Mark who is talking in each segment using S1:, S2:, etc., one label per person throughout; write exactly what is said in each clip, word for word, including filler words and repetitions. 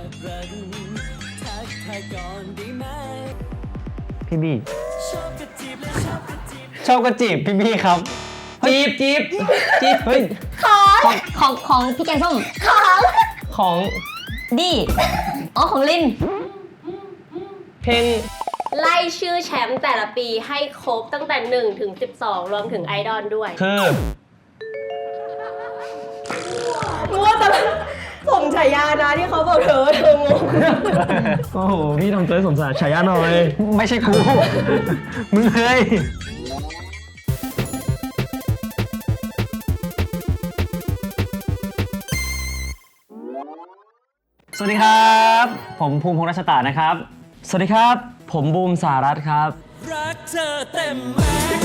S1: พี่บี้ชอบกระจีบพี่บี้ครับจีบจีบจีบเฮ้ย
S2: ของของของพี่แกงส้มของ
S1: ของ
S2: ดีอ๋อของลิน
S1: เพลง
S3: ไล่ชื่อแชมป์แต่ละปีให้ครบตั้งแต่หนึ่งถึงสิบสองรวมถึงไอดอลด้วย
S1: คือ
S3: รู้ว่าแต่ผมฉายานะที่เขาบอกเธอเธองง
S1: โอ้โหพี่ทำตัวสมสารฉายาหน่อยไม่ใช่กูมึงเฮ้ยสวัสดีครับผมภูมิพงษ์รัชตานะครับสวัสดีครับผมบูมสารัตน์ครับรักเธอเต็มแม็กซ์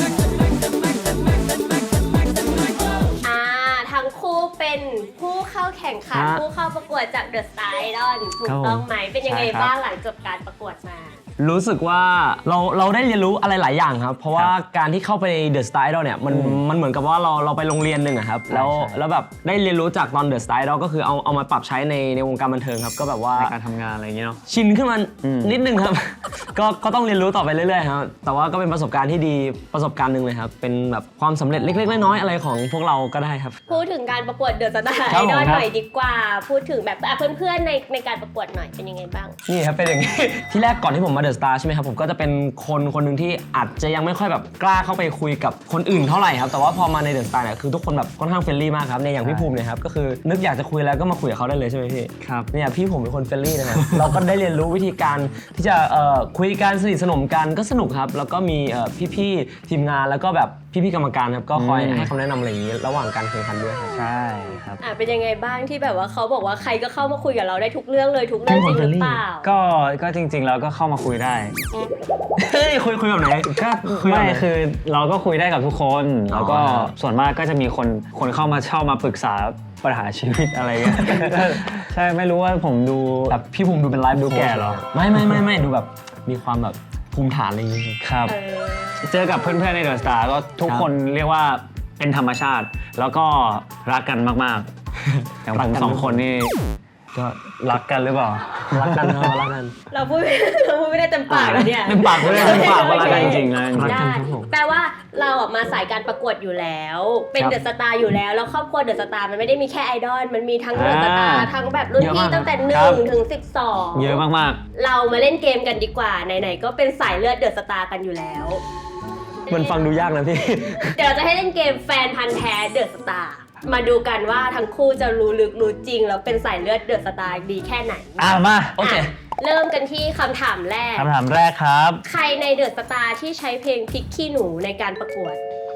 S3: อ่าทั้งคู่เป็นผู้เข้าแข่งขันผู้เข้าประกวดจาก The Star Idol ถูกต้องไหมเป็นยังไงบ้างหลังจบการประกวดมา
S1: รู้สึกว่าเราเราได้เรียนรู้อะไรหลายอย่างครับเพราะว่าการที่เข้าไปเดอะสไตล์เนี่ยมันมันเหมือนกับว่าเราเราไปโรงเรียนหนึ่งอะครับแล้วแล้วแบบได้เรียนรู้จากตอนเดอะสไตล์ก็คือเอาเอามาปรับใช้ในในวงการบันเทิงครับก็แบบว่าในการทำงานอะไรอย่างเงี้ยเนาะชินขึ้นมานิดนึงครับ ก็ก็ต้องเรียนรู้ต่อไปเรื่อยๆครับแต่ว่าก็เป็นประสบการณ์ที่ดีประสบการณ์หนึ่งเลยครับเป็นแบบความสำเร็จเล็กๆน้อยๆอะไรของพวกเราก็ได้ครับ
S3: พูดถึงการประกวดเดอะสตาร์ไอดอลหน่อยดีกว่าพูดถึงแบบเพื่อนๆในในการประกวดหน่อยเป็นยังไงบ้าง
S1: นี่ครับเป็นอย่างนี้ ที่แรกก่อนที่ผมมาเดอะสตาร์ใช่ไหมครับผมก็จะเป็นคนคนหนึ่งที่อาจจะยังไม่ค่อยแบบกล้าเข้าไปคุยกับคนอื่นเท่าไหร่ครับแต่ว่าพอมาในเดอะสตาร์เนี่ยคือทุกคนแบบค่อนข้างเฟรนลี่มากครับในอย่างพี่ภูมิเนี่ยครับก็คือนึกอยากจะคุยแล้วก็มาคุยกับเขาได้เลยใช่ไหมพี่ครับเนี่ยพี่ผมเป็นคนเฟรนลี่นะครับ เราก็ได้เรียนรู้วิธีการที่จะเอ่อคุยกันสนิทสนมกันก็สนุกครับแล้วก็มีเอ่อพี่ๆทีมงานแล้วก็แบบพี่ๆกรรมการครับก็คอยให้คำแนะนำอะไรอย่างนี้ระหว่างการแข่งขันด้วยครับใช่ครับ
S3: อ่ะเป็นยังไงบ้างที่แบบว่าเขาบอกว่าใครก็เข้ามาคุยกับเราได้ทุกเรื่องเลยทุกเรื่องจริงหรือเปล่า
S4: ก็ก็จริงๆแล้วก็เข้ามาคุยได้
S1: เฮ้ยคุยคุยแบบไหน
S4: ก็ไม่คือเราก็คุยได้กับทุกคนแล้วก็ส่วนมากก็จะมีคนคนเข้ามาเช่ามาปรึกษาปัญหาชีวิตอะไรเงี้ยใช่ไม่รู้ว่าผมดู
S1: แบบพี่ภูมิดูเป็นไลฟ์
S4: ดูแก่หรอ
S1: ไม่ไม่ไม่ไม่ดูแบบมีความแบบภูมิฐานอะไรอย่างงี้
S4: ครับเจอกับเพื่อนๆในเดอะสตาร์ก็ทุกคนเรียกว่าเป็นธรรมชาติแล้วก็รักกันมากๆอย่างผมสองคนนี่ก็รักกันหรือเปล่า
S1: รักกันเนาะรักกัน
S3: เราพูดเราพูดไม่ได้เต็มปากแล้วเนี่ย
S1: เต็มปากไม่ได้เต็มปากว่ารักกันจริงๆนะ
S3: รักกันแปลว่าเราออกมาสายการประกวดอยู่แล้วเป็นเดอะสตาร์อยู่แล้วแล้วครอบครัวเดอะสตาร์มันไม่ได้มีแค่ไอดอลมันมีทั้งเดอะสตาร์ทั้งแบบรุ่นพี่ตั้งแต่หนึ่งถึงสิบสอง
S4: เยอะมาก
S3: ๆเรามาเล่นเกมกันดีกว่าไหนๆก็เป็นสายเลือดเดอะสตาร์กันอยู่แล้ว
S1: มันฟังดูยากนะพี่
S3: เดี๋ยวเราจะให้เล่นเกมแฟนพันธ์แท้เดอะสตาร์มาดูกันว่าทั้งคู่จะรู้ลึกรู้จริงแล้วเป็นสายเลือดเดอะสตาร์ดีแค่ไหน
S4: อ่ะมา
S1: โอเค
S3: เริ่มกันที่คำถามแรก
S4: คำถามแรกครับ
S3: ใครในเดอะสตาร์ที่ใช้เพลงพริกขี้หนูในการประกวด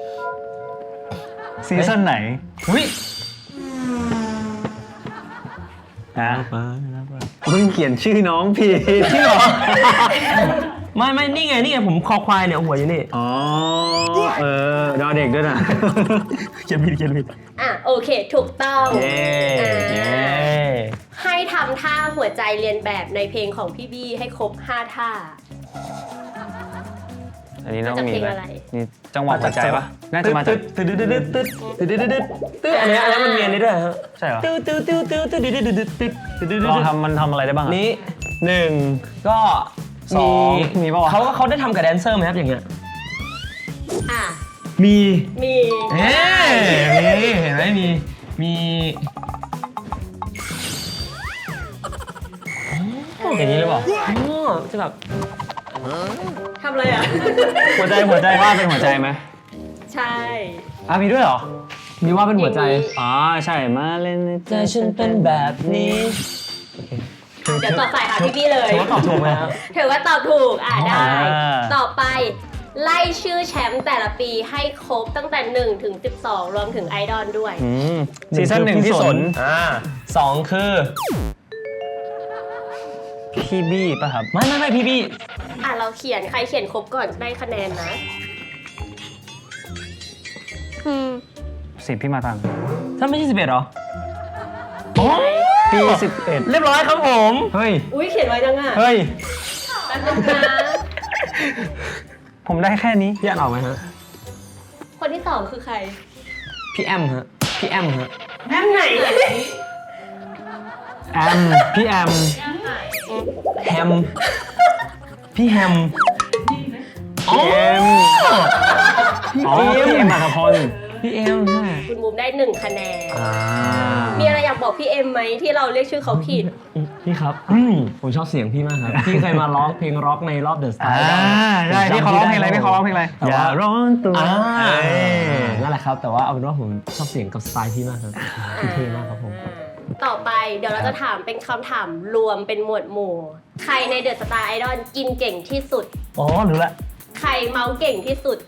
S4: ซีซั่นไหน
S1: อุ้ย
S4: นะมึงเขียนชื่อน้องผิด
S1: ชื่อหรอไม่ไม่นี่ไงนี่ไงผมคอควายเนี่ยหัวอยู่นี่
S4: อ๋อเออดอเด็กด้วยนะ
S1: เขียนผิดเขียนผิด
S3: อ่ะโอเคถูกต้อง
S1: เย้เย้
S3: ให้ทำท่าหัวใจเรียนแบบในเพลงของพี่บี้ให้ครบห้าท่า
S4: อันนี้ต้องมี
S3: อะไร
S4: นี่จังหวะหัวใจปะ
S1: น่าจะมาจากตึ๊ดตึ๊ดตึ๊ดตึ๊ดตึ๊ดตึ๊ดตึ๊ดตึ๊ดอันนี้อันนี้มันมีอันนี้ด้วยฮะ
S4: ใช่เหรอ
S1: ตึ๊ดตึ๊ดตึ๊ดตึ๊ดตึ๊ดตึ๊ดตึ๊ดตึ๊ดตึ๊ดตึ๊ด
S4: ลองทำมันทำอะไรได้บ้าง
S1: นี้หนึ่งก็
S4: สองมีป่าว
S1: เขาเขาได้ทำกับแดนเซอร์ไหมครับอย่างเงี้ย
S3: อ่ะ
S1: มี
S3: มี
S1: เอ๊ะมีเห็นไหมมีมี
S4: อย่างนี้หรือเปล่า
S1: จะแบบ
S3: ทำอะไรอ่ะ
S4: หัวใจหัวใจว่าเป็นหัวใจไหม
S3: ใช่
S4: อ่ะมีด้วยเหรอ
S1: มีว่าเป็นหัวใจ
S4: อ๋อใช่มาเล่น
S1: ใจฉันเป็นแบบนี้
S3: เดี๋ยวต่อสายหาพี่บี้เลย
S1: ถือว่าตอบถูกไหมครับ
S3: ถือว่าตอบถูกอ่ะได้ต่อไปไล่ชื่อแชมป์แต่ละปีให้ครบตั้งแต่หนึ่งถึงสิบสองรวมถึงไอดอลด้วย
S4: ซีซั่นหนึ่งที่สน
S1: อ่าสองคือ
S4: พี่บี้ป่ะครับ
S1: ไม่ไม่ไม่พี่บี้
S3: อ่ะเราเขียนใครเขียนครบก่อนได้คะแนนนะ
S4: อืมสิบพี่มาตัง
S1: ถ้าไม่ใช่สิบเอ็ดหรอ
S4: ปีสิบเอ็ด
S1: เรียบร้อยครับผม
S4: เฮ้ย
S3: อุ้ยเขียนไว้จังอ่ะ
S4: เฮ้ย
S3: แป๊บนึงนะ
S4: ผมได้แค่นี้
S1: พี่อ่านออกไหมฮะ
S3: คนที่สองคือใคร
S1: พี่แอมฮะพี่แอมฮะ
S3: แอมไหน
S4: แอมพี่แอม
S1: แฮม พี่แฮม
S4: พี่เอ็มอ๋อพี่เอ็มอัธพล
S1: พี่เอ็มใช่
S3: คุณบูมได้หนึ่งคะแนน
S4: อ่า
S3: มีอะไรอยากบอกพี่เอ็มไหมที่เราเรียกชื่อเขาผิด
S1: พี่ครับอืมผมชอบเสียงพี่มากครับ พี่เคยมาร้องเพลงร็อกในรอบเดอะสตา
S4: อ่า
S1: ร์
S4: ใช่พี่เขาร้องเพลงอะไรพี่เขาร้องเพลงอะไร
S1: แต่
S4: อย่า
S1: ว่า
S4: ร้อนตัว
S1: อ่า
S4: เอ้ย
S1: นั่นแหละครับ แต่ว่าเอาเป็นว่าผมชอบเสียงกับสไตล์พี่มากครับพี่เท่มากครับผม
S3: ต่อไปเดี๋ยวเราจะถามเป็นคำถามรวมเป็นหมวดหมู่ ใครในเดอะสตาร์ไอดอลกินเก่งที่สุด
S1: อ๋อรู้ละ
S3: ใครเมาเก่งที่สุด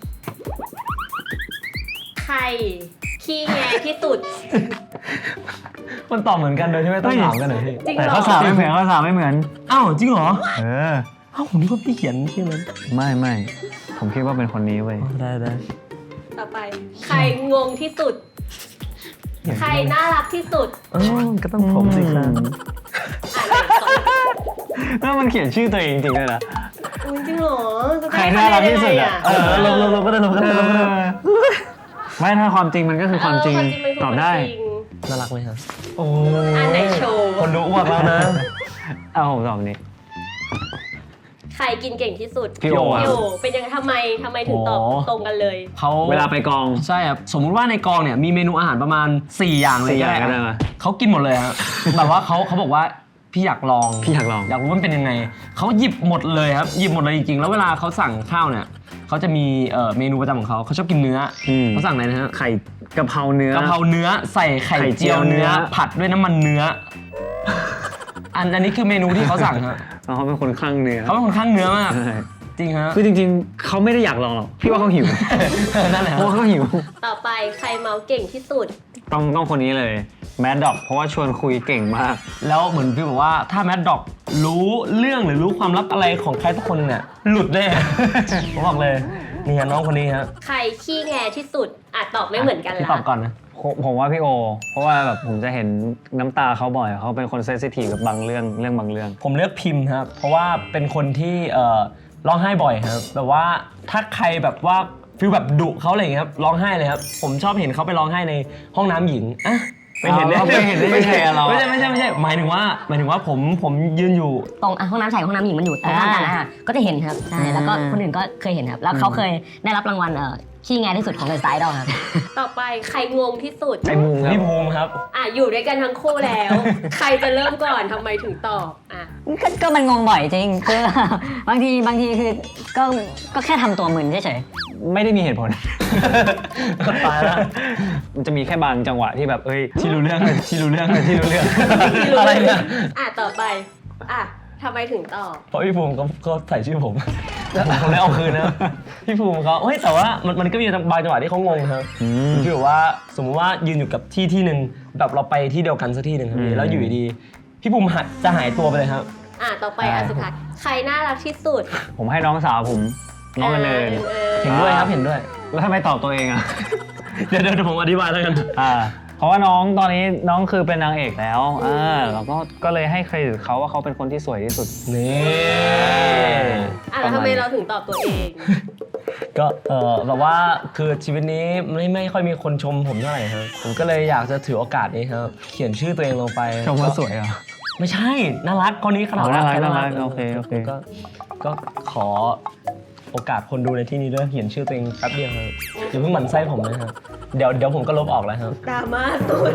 S3: ใครขี้แงที่สุด
S1: มันตอบเหมือนกันโดยที่ไม่ต้องถามกันเลยพี่
S3: จริง
S4: แต่
S3: เหรอ
S4: ข้อสามไม่เหมือนข้อสามไม่เหมือน
S1: อ้าวจริงเหรอ
S4: เออ
S1: อ้าวผมนึกว่าพี่เขียนชื่อนั้น
S4: ไม่ไม่ผมคิดว่าเป็นคนนี้เว้ย
S1: ได้ได้
S3: ต่อไป ใครงงที่สุด ใครน่ารักที่สุด
S1: อ๋อก็ต้องผมสิครับ
S3: อ่านไหนก่อน
S4: แล้วมันเขียนชื่อตัวเองจริงๆด้วยนะ
S3: อุ๊ยจริงเหรอจะ
S4: ใคร
S3: ได้
S4: น่ารักที่สุดอ่ะ
S1: เออลงลงลงก็ได้ลงก็ได้ลงก็ได้
S4: ไม่ถ้าความจริงมันก็คือความจริง
S3: เออมันคื
S4: ตอบได้
S3: ความจริง
S1: น่ารักไหมครับโอ้
S3: อันไหนโชว์
S1: คนดูอ้วกแล้วนะ
S4: เอาผมตอบนี้
S3: ใครกินเก่งที่สุด
S4: พี่โอ
S3: พี่โอเป็นยังไงทำไมทำไมถึงตอบตรงกันเลย
S1: เขา
S4: เวลาไปกอง
S1: ใช่ครับสมมุติว่าในกองเนี่ยมีเมนูอาหารประมาณสี่อย่างเลย
S4: สี่อย่าง
S1: ก็
S4: ก็
S1: ได้
S4: ได้
S1: ครับ
S4: มา
S1: เขากินหมดเลยครับ แบบว่าเขาเขาบอกว่าพี่อยากลอง
S4: พี่อยากลอง
S1: อยากรู้ว่ามันเป็นยังไงเขาหยิบหมดเลยครับหยิบหมดเลยจริงๆแล้วเวลาเขาสั่งข้าวเนี่ยเขาจะมีเอ่อเมนูประจำของเขาเขาชอบกินเนื้ออ
S4: ม
S1: เขาสั่งอะไรนะฮะ
S4: ไข่กะเพราเนื้อก
S1: ะเพราเนื้อใส่ไข่
S4: ไข่เจี
S1: เจี
S4: ย
S1: ยวว
S4: เนื้
S1: เนื้
S4: อ
S1: อ ผัดด้วยน้ำมันเนื้อ อันอันนี้คือเมนูที่เขาสั่งครับ
S4: เขาเป็นคนคลั่งเนื้อ
S1: เขาเป็นคนข้างเนื้อมาก
S4: ใช่
S1: จริงฮะ
S4: คือจริงๆ เขาไม่ได้อยากลองหรอกพี่ว่าเขาหิว
S1: นั่นแหละ
S4: เพราะว่าเขาหิว
S3: ต่อไปใครเมาเก่งที่สุด
S4: ต้องต้องคนนี้เลยแมดด็อกเพราะว่าชวนคุยเก่งมาก
S1: แล้วเหมือนพี่บอกว่าถ้าแมดด็อกรู้เรื่องหรือรู้ความลับอะไรของใครทุกคนเนี่ยหลุดแน่ ผมบอกเลยนี่ฮะน้องคนนี้ฮะ
S3: ใครขี้แงที่สุดอ่ะตอบไม่เหมือนกัน
S1: พี่
S3: ละ
S1: ตอบก่อนนะ
S4: ผมผมว่าพี่โอ เพราะว่าแบบผมจะเห็นน้ำตาเขาบ่อยเขาเป็นคนเซนซิทีฟกับบางเรื่องเรื่องบางเรื่อง
S1: ผมเลือกพิมพ์ครับ เพราะว่าเป็นคนที่เอ่อร้องไห้บ่อยครับแบบว่าถ้าใครแบบว่าฟิลแบบดุเขาอะไรอย่างเงี้ยครับร้องไห้เลยครับผมชอบเห็นเขาไปร้องไห้ในห้องน้ำหญิงอ่ะไปเห็นได้
S4: เราไปเห็นได้ยังไงอะเรา
S1: ไม่ใช่ไม่ใช่ไม่ใช่หมายถึงว่าหมายถึงว่าผมผมยืนอยู่
S2: ตรงอ่ะห้องน้ำชายกับห้องน้ำหญิงมันอยู่ตรงข้ามกันนะฮะก็จะเห็นครับใช่แล้วก็คนอื่นก็เคยเห็นครับ แล้วเขาเคยได้รับรางวัลเอ่อขี้แงที่สุดของเดอะสตาร์ไอดอลครับ
S3: ต่อไปใครงงที่สุด
S4: ไอ้มุงครับ
S1: พี่ภูมิครับ
S3: อ่ะอยู่ด้วยกันทั้งคู่แล้ว ใครจะเริ่มก่อนทำไมถึงตอบอ่ะ
S2: ก็ก็มันงงบ่อยจริงคือ บางทีบางทีคือก็ก็แค่ทำตัวมึนเฉย
S4: ไม่ได้มีเหตุผล
S1: ตายละ
S4: มันจะมีแค่บางจังหวะที่แบบเอ้ย
S1: ที่รู้เรื่องที่รู้เรื่องที่รู้เรื่อง
S3: ที่รู้
S1: อะไรเนี่ย
S3: อ่ะต่อไปอ่ะทำไมถึงตอบ
S1: เพราะพี่ภูมิก็ก็ใส่ชื่อผมผมคงได้เอาคืนนะพี่ภูมิเขาเฮ้ยแต่ว่ามันมันก็มีบางจังหวะที่เขางงครับ
S4: อืม
S1: คือแบบว่าสมมุติว่ายืนอยู่กับที่ที่หนึ่งแบบเราไปที่เดียวกันสักที่หนึ่งครับ
S4: อืม
S1: พี่แล้วอยู่ดีๆพี่ภูมิหัดจะหายตัวไปเลยครับ
S3: อ่ะต่อไปอ่ะสุดท้ายใครน่ารักที่สุด
S4: ผมให้น้องสาวผมน้องกันเลย
S3: ออ
S1: เห็นด้วยครับเห็นด้วย
S4: แล้วทำไมตอบตัวเองอ่ะ
S1: เดี๋ยวเดี๋ยวผมอธิบายแล้วกัน
S4: อ่าเพราะว่าน้องตอนนี้น้องคือเป็นนางเอกแล้วอ่าเราก็ก็เลยให้เครดิตเขาว่าเขาเป็นคนที่สวยที่สุด
S1: นี่
S3: อ่ะแล้วทำไมเราถึงตอบตัวเอง
S1: ก็เออแบบว่าคือชีวิตนี้ไม่ไม่ค่อยมีคนชมผมเท่าไหร่ครับผมก็เลยอยากจะถือโอกาสนี้ครับเขียนชื่อตัวเองลงไป
S4: ชมว่าสวยเหรอ
S1: ไม่ใช่น่ารักคนนี้ขนาด
S4: อ๋อน่ารัก
S1: แค่
S4: น่ารักโอเคโอเค
S1: ก็ก็ขอโอกาสคนดูในที่นี้ด้วยเขียนชื่อตัวเองแป๊บเดียวครับอย่าเพิ่งหมั่นไส้ผมนะครับเดี๋ยวเดี๋ยวผมก็ลบออกแล้วครับ
S3: ดราม่าสุด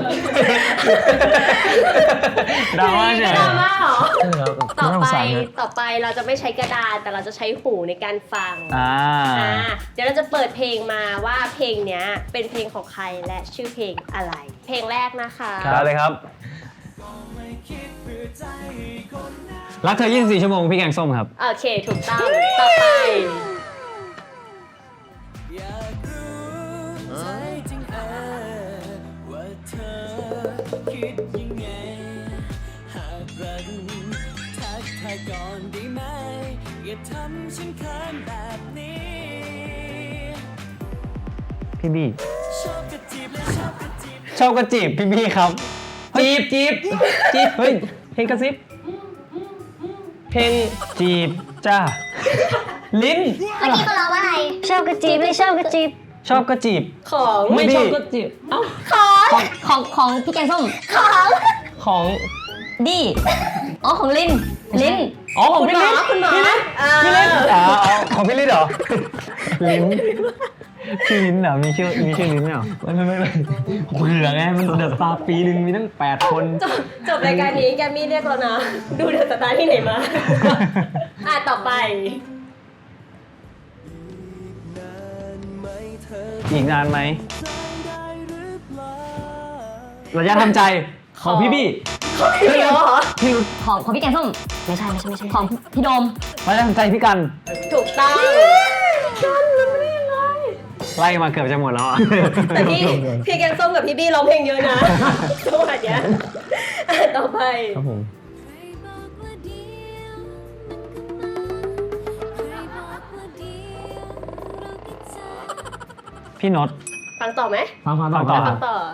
S4: ดราม่าเฉย
S3: ดราม่าเหรอ
S1: ใช่ครับ
S3: ต่อ
S1: น่าส
S3: ไป
S1: งสารครับ
S3: ต่อไปเราจะไม่ใช้กระดาษแต่เราจะใช้หูในการฟัง
S4: อ่า
S3: อ่าเดี๋ยวเราจะเปิดเพลงมาว่าเพลงเนี้ยเป็นเพลงของใครและชื่อเพลงอะไร เพลงแรกนะคะ
S4: ได้เลยครับ รักเธอยี่สิบสี่ชั่วโมงพี่แกงส้มครับ
S3: โอเคถูกต้องต่อไป
S5: อยากรู้ใจจริงเออว่าเธอคิดยังไง หากรักทักทายก่อนได้ไหม อย่าทำฉันเขินแบบนี้
S4: พี่บี้
S5: ชอบกระจีบและชอบกระจีบ
S4: ชอบกระจีบพี่บี้ครับ
S1: จีบจีบจีบเฮ้ยเพลงกระซิบเพลง
S4: จีบจ้า
S1: ลิ้น
S2: ๆเมื่อกี้เขาร้องว่าอะไรชอบกระจีบไม่ชอบกระจีบ
S4: ชอบกระจีบ
S3: ของ
S1: ไม่
S4: พี่
S1: ชอบก็จีบเอ้า
S2: ของของของพี่แกงส้มของ
S1: ของ
S2: ดีอ๋อของลินลิน
S4: อ๋อของ
S3: คุณ
S4: พี่
S3: หม
S4: ลิ
S3: อ
S4: ศ
S3: คุณหมอ
S2: พี่ลิศ
S3: เออ
S4: พี่ลิศอ๋ออ๋อของพี่ลิศเหรอ ลิ้นชื่อลิ้นเหรอมีชื่อมีชื่อลิ้นเหรอ
S1: ไม่ไม่ไม่ไม่เบื่อไงมันเดอะสตาร์ปีหนึ่งมีตั้งแปดคน
S3: จบจบรายการนี้แกมมี่เรียกเรานะ ดูเดอะสตาร์ที่ไหนมา อ่ะต่อไป
S4: อีกนานไหม
S1: ระยะทำใจของพี่บี้
S3: พี่เหรอ
S1: พี่รุ้
S2: ของของพี่แกงส้มไม่ใช่ไม่ใช่ไม่ใช่ของพี่โดม
S4: ระยะทำใจพี่กัน
S3: ถูกต้อง
S4: ไล่มาเกือบจะหมดแล้วอ่ะ
S3: แต่พี่พี่แกงส้มกับพี่บี้ร้องเพลงเยอะนะจังหวะเนี้ยอ่ะต่อไป
S1: ครับผม
S4: พี่นด
S3: ฟังต่อไหม
S1: ฟังฟังต่อ
S4: ฟังต่อ
S3: ฟังต่อ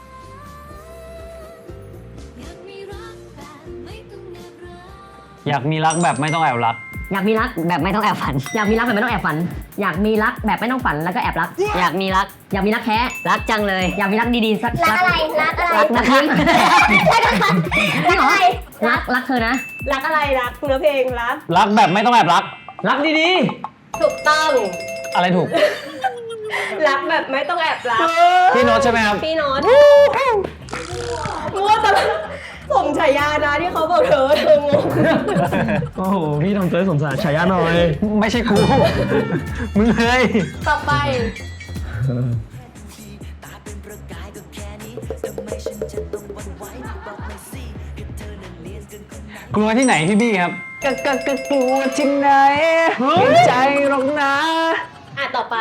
S4: อยากมีรักแบบไม่ต้องแอบรัก
S2: อยากมีรักแบบไม่ต้องแอบฝัน อยากมีรักแบบไม่ต้องแอบฝัน อยากมีรักแบบไม่ต้องฝันแล้วก็แอบรัก อยากมีรัก อยากมีรักแท้รักจังเลย อยากมีรักดีๆสัก
S3: รักอะไร รักอะไร
S2: รักนะครับ
S3: รักอะไร
S2: รักรักเธอนะ
S3: รักอะไร รักเนื้อเพลงรัก
S4: รักแบบไม่ต้องแอบรัก
S1: รักดี
S3: ถูกต้อง
S4: อะไรถูก
S3: รักแบบไม่ต้องแอบรัก
S4: พี่นดใช่ไหมครับ
S3: พี่โน้ตมั่วตลอดสมฉายานะที่เขาบอกเธอเธองง
S1: ๆโอ้โหพี่ทำตัวให้สมสารฉายาหน่อย
S4: ไม่ใช่กู มึงเลย
S3: ต่อไป
S4: กลัวที่ไหนพี่บี้ครับก็ก็ก็กลัวที่ไหนเห็นใจหรอกนะ
S3: อ่ะต่อไป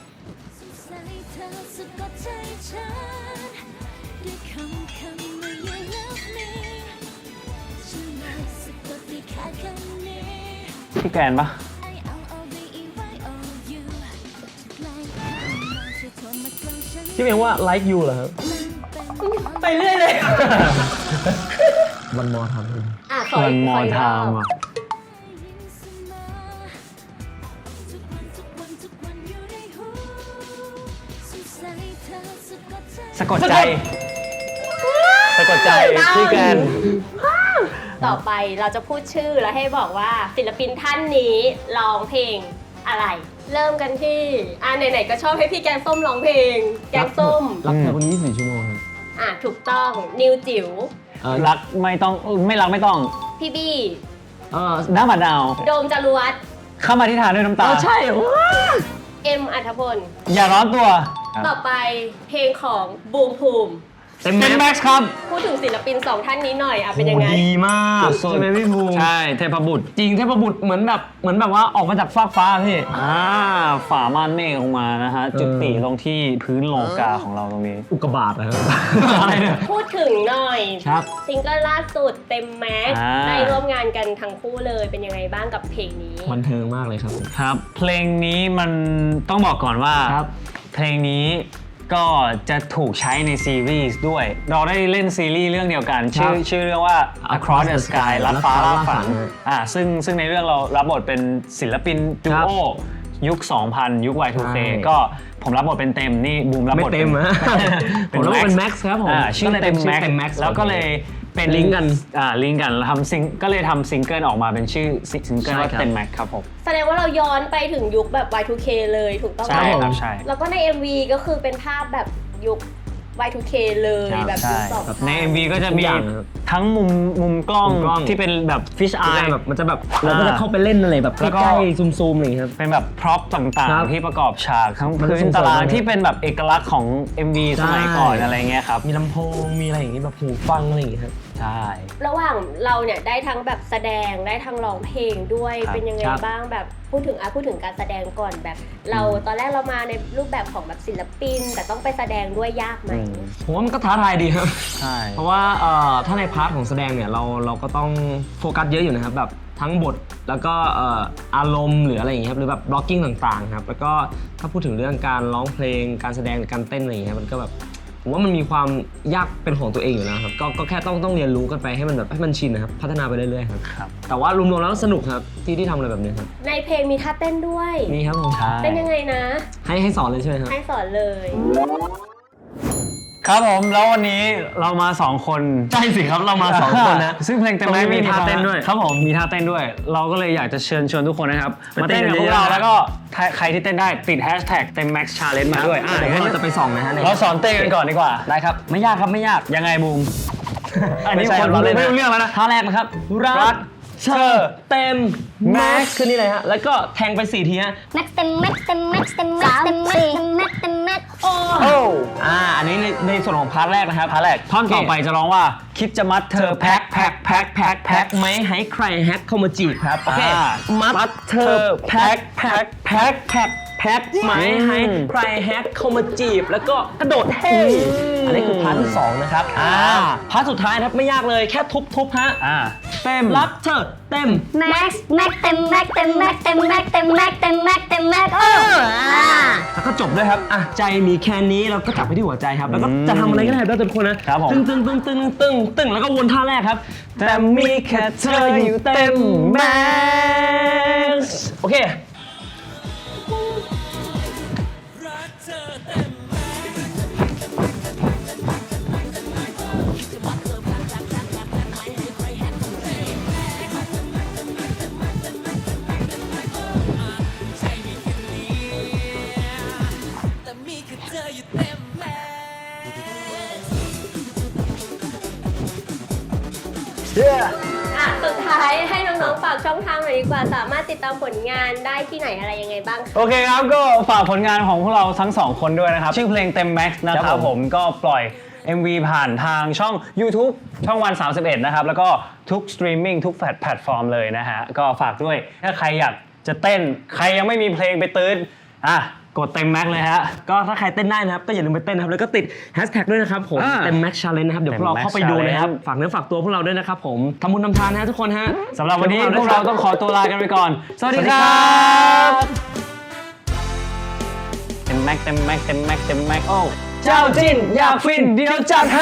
S4: พี่แกนปะ
S1: ที่เรียกว่า like you เหรอครับ
S3: ไปเรื่อยเลย
S1: วันมอทำ
S3: อ่ะขอ
S4: เงิ
S3: อี
S4: น
S3: ก
S4: ม
S3: ข
S4: อ
S3: ออีกร
S4: ทา
S3: อ
S4: ม
S3: บ
S4: อ่ะสะกดใจ สะกดใจพี่แกน
S3: ต่อไปเราจะพูดชื่อแล้วให้บอกว่าศิลปินท่านนี้ร้องเพลงอะไร เริ่มกันที่อ่ะไหนๆก็ชอบให้พี่แกงส้มร้องเพลง แกงส้ม
S1: รักเธอคนนี้ยี่สิบสี่ชั่วโมงครับ
S3: อ่ะถูกต้องนิวจิ๋ว
S1: เอ่อ
S4: รักไม่ต้องไม่รักไม่ต้อง
S3: พี่บี้
S1: เออ
S4: หน้าหมาดาว
S3: โดมจารวัตร
S4: เข้ามาที่ทานด้วยน้ำตา
S1: เออใช่ว้า
S3: เอ็มอัธพล
S4: อย่าร้อนตัว
S3: ต่อไปเพลงของบูมภูมิ
S1: เต็ม
S4: เต็ม
S1: แม็
S4: แม็
S1: ก
S4: ก
S1: ซ์
S4: ซ์ครับ
S3: พูดถึงศิลปินสองท่านนี้หน่อยอ่ะเป็นยังไง
S1: ดีมาก
S4: สุดๆ
S1: ใช่ไหมพี่ภูมิ
S4: ใช่เทพบุตร
S1: จริงเทพบุตรเหมือนแบบเหมือนแบบว่าออกมาจากฟากฟ้าพี่
S4: อ่าฝาม่านเมฆลงมานะฮะ จุติลงที่พื้นโลกาของเราตรงนี้
S1: อุกกาบาตนะครับ อะไรเนี่ย
S3: พูดถึงหน่อย
S1: ครับ
S3: ซิงเกิลล่าสุดเต็มแม็กซ์
S4: อ่า
S3: ได้ร่วมงานกันทั้งคู่เลยเป็นยังไงบ้างกับเพลงนี้
S1: บันเทิงมากเลยครับ
S4: ครับ เพลงนี้มันต้องบอกก่อนว่า
S1: ครับ
S4: เพลงนี้ก็จะถูกใช้ในซีรีส์ด้วย เราได้เล่นซีรีส์เรื่องเดียวกัน ชื่อชื่อเรื่องว่า Across the Sky ลัดฟ้าล่าฝันอ่าซึ่งซึ่งในเรื่องเรารับบทเป็นศิลปินดูโอยุค สองพัน ยุค วาย ทู เค ก็ผมรับบทเป็นเต็มนี่บูมรับบท
S1: ไม่เต็มฮะ ผมรับบทเป็น Max ครับผม
S4: อ่าชื่อ
S1: ก็เลย
S4: เต็ม
S1: เป็นชื่อ
S4: Max
S1: เต็ม Max
S4: แล้วก็เลยเป็น
S1: ลิงก์กัน
S4: อ่าลิงก์กันทำซิงก็เลยทำซิงเกิลออกมาเป็นชื่อซิงเกิลว่า
S1: ใช่ครับ
S4: เต็ม Max ครับผม
S3: แสดงว่าเราย้อนไปถึงยุคแบบ วาย ทู เค เลยถูกต้องไหม
S4: ใช่ครับใช่
S3: แล้วก็ใน เอ็ม วี ก็คือเป็นภาพแบบยุค วาย ทู เค เลย
S1: ครับ
S3: แบบยุ
S4: ใช่
S3: คสองพัน
S4: ใน เอ็ม วี ก็จะมี
S1: ทุกอย่างนะครับ
S4: ทั้งมุมมุมกล้อง
S1: มุมกล้อง
S4: ที่เป็นแบบฟิช
S1: ใช่
S4: อาย
S1: แบบมันจะแบบเราก็จะเข้าไปเล่นอะไรแบบ
S4: แล้วก็
S1: ใกล้ๆซูมๆอะไรอย่างเงี้ยครับ
S4: เป็นแบบพร็อพต่าง
S1: ครับ
S4: ๆ ที่ประกอบฉากทั้ง
S1: มัน
S4: พื้น
S1: ส่งเสริม
S4: ตาราง
S1: เลย
S4: ที่เป็นแบบเอกลักษณ์ของ เอ็ม วี
S1: ใช่
S4: สมัยก่อนอะไรเงี้ยครับ
S1: มีลำโพงมีอะไรอย่างงี้แบบหูฟังอะไรอย่างเงี้ยครับ
S4: ใช่
S3: ระหว่างเราเนี่ยได้ทั้งแบบแสดงได้ทั้งร้องเพลงด้วย
S4: ครับ
S3: เป็นยังไง
S1: ครับ
S3: บ้างแบบพูดถึงอ่ะพูดถึงการแสดงก่อนแบบ เราตอนแรกเรามาในรูปแบบของแบบศิลปิน แต่ต้องไปแสดงด้วยยากไหม
S1: ผมว่ามันก็ท้าทายดีครับ
S4: ใช่
S1: เพราะว่าเอ่อถ้าในพาร์ทของแสดงเนี่ยเราเราก็ต้องโฟกัสเยอะอยู่นะครับแบบทั้งบทแล้วก็เอ่ออารมณ์หรืออะไรอย่างเงี้ยครับหรือแบบบล็อกกิ้งต่างๆครับแล้วก็ถ้าพูดถึงเรื่องการร้องเพลงการแสดงหรือการเต้นอะไรอย่างเงี้ยมันก็แบบผมว่ามันมีความยากเป็นของตัวเองอยู่แล้วครับก็ก็แค่ต้องต้องเรียนรู้กันไปให้มันแบบให้มันชินนะครับพัฒนาไปเรื่อยๆครับ
S4: ครับ
S1: แต่ว่ารวมๆแล้วสนุกครับที่ที่ทำอะไรแบบนี้ครับ
S3: ในเพลงมีท่าเต้นด้วย
S1: มีครับผม
S4: ใช่
S3: เป็นยังไงนะ
S1: ให้ให้สอนเลยใช่ไหมครับ
S3: ให้สอนเลย
S4: คครับผมแล้ววันนี้เรามาสองคน
S1: ใช่สิครับเรามาสองคนนะ
S4: ซึ่งเพลงเต็ม
S1: ตรงนี้
S4: แม็กซ์
S1: มีท่าเต้นด้วย
S4: ครับผมมีท่าเต้นด้วย เราก็เลยอยากจะเชิญชวนทุกคนนะครับ
S1: ไป
S4: มา
S1: เต้
S4: เต้
S1: น
S4: น
S1: กัน
S4: กับพวก
S1: เยอะๆ
S4: เรา
S1: นะ
S4: แล้วก็ใครที่เต้นได้ติดแฮชแท็กเต็มแม็กซ์ชาเลนจ์มาด้วยอ่ะ
S1: เดี๋
S4: เดี๋
S1: ย
S4: ยว ว
S1: เราจะไปส่องนะฮะ
S4: เราสอนเต้นกันก่อนดีกว่า
S1: ได้ครับไม่ยากครับไม่ยาก
S4: ยังไงบูม อันนี้
S1: ไม่ใช่
S4: คน
S1: เราเล่น
S4: ไม่รู้เรื่องแล้วนะ
S1: ท่าแรกนะครับรั
S4: รั
S1: ก
S4: ก
S1: เธอเต็มแม็กซ์ขึ้นนี่เลยฮะแล้วก็แทงไปสี่ทีฮะ
S2: แม็กซ์เต็มแม็กซ์เต็มแม็กซ์เต็มแม็กซ์เต็มแม็กซ์เต็มแม็กซ์เต็มแม็กซ์โอ้
S4: โอ้
S1: อ่าอันนี้ในในส่วนของพาร์ทแรกนะครับ
S4: ท่าแรกท่อนต่อไปจะร้องว่าคิดจะมัดเธ
S1: เธ
S4: อ
S1: อ
S4: แพ็
S1: แพ็
S4: ค
S1: ค
S4: แพ็
S1: แพ็
S4: ค
S1: ค
S4: แพ็
S1: แพ็
S4: ค
S1: ค
S4: แพ็ค
S1: แพ็คไม่ให้ใครแฮกเข้ามาจีบครับโอเค
S4: อ่า
S1: มัดเธอแพ็คแพ็คแพ็คแพ็คแพ็คไม่ให้ใครแฮกเข้ามาจีบแล้วก็กระโดดเฮ้ยอันนี้คือพาร์ทที่สองนะครับอ่าพาร์ทสุดท้ายนะครับไม่ยากเลยแค่ทุบๆฮะ
S4: อ่าเต็ม
S1: รักเธอเต็ม
S2: แม็กซ์แม็กซ์เต็มแม็กซ์เต็มแม็กซ์เต็มแม็กซ์เต็มแม็กซ์เต็มแม็กซ์เต็มแม็กซ์โอ้อ่า
S1: แล้วก็จบด้วยครับ อ่ะ ใจมีแค่นี้เราก็จับไปที่หัวใจครับ แล้วก็จะทำอะไรก็ได้ได้ทุกคนนะครับ
S4: ผม
S1: ตึงตึงตึงตึงตึงตึงแล้วก็วนท่าแรกครับ แต่มีแค่เธออยู่เต็มแม็กซ์โอเค
S5: รักเธอเต็มแม็กซ์ แต่มีแค่เธออยู่เต็มแม็กซ์
S3: อ่ะสุดท้ายให้น้องๆฝากช่องทางหน่อยดีกว่า สามารถติดตามผลงานได้ที่ไหนอะไรยังไงบ้างคะ
S4: โอเคครับก็ฝากผลงานของพวกเราทั้งสองคนด้วยนะครับ ชื่อเพลงเต็มแม็กซ์นะค
S1: ครั
S4: รับบ
S1: ผม
S4: ผมก็ปล่อย เอ็ม วี ผ่านทางช่อง YouTube ช่องวันสามสิบเอ็ดนะครับ แล้วก็ทุกสตรีมมิ่งทุกแพลตฟอร์มเลยนะฮะ ก็ฝากด้วยถ้าใครอยากจะเต้น ใครยังไม่มีเพลงไปตื้นอ่ะกดเต็มแม็กซ์เลยฮะ
S1: ก็ถ้าใครเต้นได้นะครับ ก็อย่าลืมไปเต้นนะครับ แล้วก็ติดแฮชแท็กด้วยนะครับผม
S4: อ่า
S1: เต็มแม็กซ์ชาเลนจ์นะครับ เดี๋ยวพวกเราเข้าไปดูนะครับ
S4: Challenge
S1: ฝากเนื้อฝากตัวพวกเราด้วยนะครับผมทำบุญทำทานนะทุกคนฮะ
S4: สำหรับวันนี้พวกเราต้องขอตัวลากันไปก่อน สวัสดีค
S1: สวัสดีครั
S4: รับ บเต็มแม็กซ์เต็มแม็กซ์เต็มแม็กซ์เต็มแม็กซ์โอ้
S1: เจ้าจิ้นอยากฟินเดี๋ยวจัดให้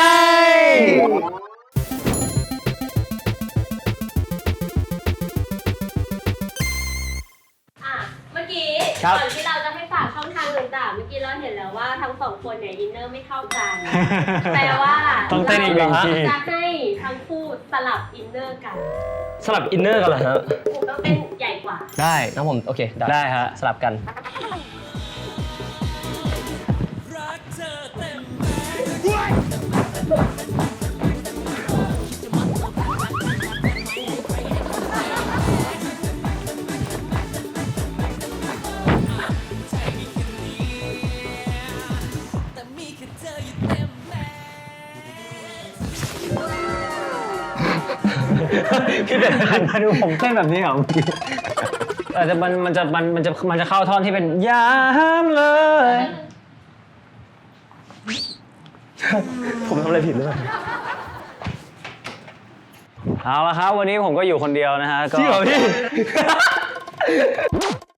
S3: อ่ะเมื่อกี้
S1: ครับ
S3: ก่อนที่เราจะให้ฝากช่องทางต่างๆ เมื่อกี้เราเห็นแล้วว่าทั้งสองคนเนี่ยอินเนอร์ไม่เท่ากัน แปลว่า
S4: ต้องเต้นอีกหนึ่งที
S3: จะให้ทั้งคู่สลับอินเนอร์กัน
S1: สลับอินเนอร์กันเหรอฮะ
S3: ผมต้องเต้นใหญ่กว่า
S4: ได้
S1: นะผมโอเค
S4: ได้ฮะ
S1: สลับกัน
S5: รักเธอเต็มแม็กซ์ แต่มีแค่เธออยู่เต็มแม็กซ์
S4: พี่เป็ดหันมาดูผมเต้นแบบนี้เหรอเมื่อกี้แต่จะมันมันจะมันมันจะมันจะเข้าท่อนที่เป็นยามเลย
S1: ผมทำอะไรผิดหรือเปล่า
S4: เอาละครับ วันนี้ผมก็อยู่คนเดียวนะฮะก็
S1: จริงเหรอพี่